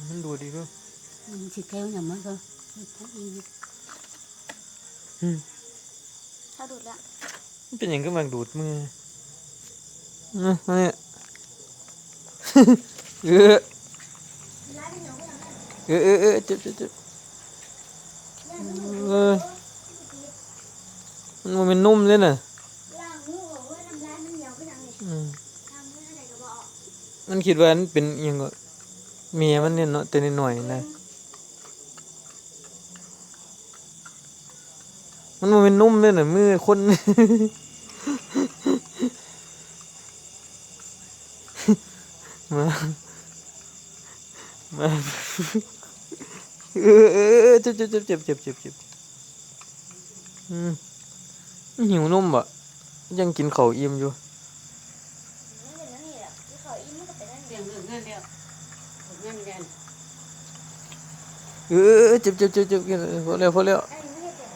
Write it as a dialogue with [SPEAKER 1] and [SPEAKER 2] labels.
[SPEAKER 1] มันดูดีด้วย
[SPEAKER 2] สิแก้วอย่างมันก็ถ้าดูดละ
[SPEAKER 1] มันเป็นอย่างก็มาดูดมือเนี่ยเออเจ็บมันเป็นนุ่มเลยน่ะมันคิดว่ามันเป็นยังก็เมียมันเนี่ยเนาะแต่นิดหน่อยนะมันเป็นนุ่มเลยน่ะมือคนมาเจ็บหิวนมบ่ยังกินข้าวอิ่มอยู่เจ็บพอแล้ว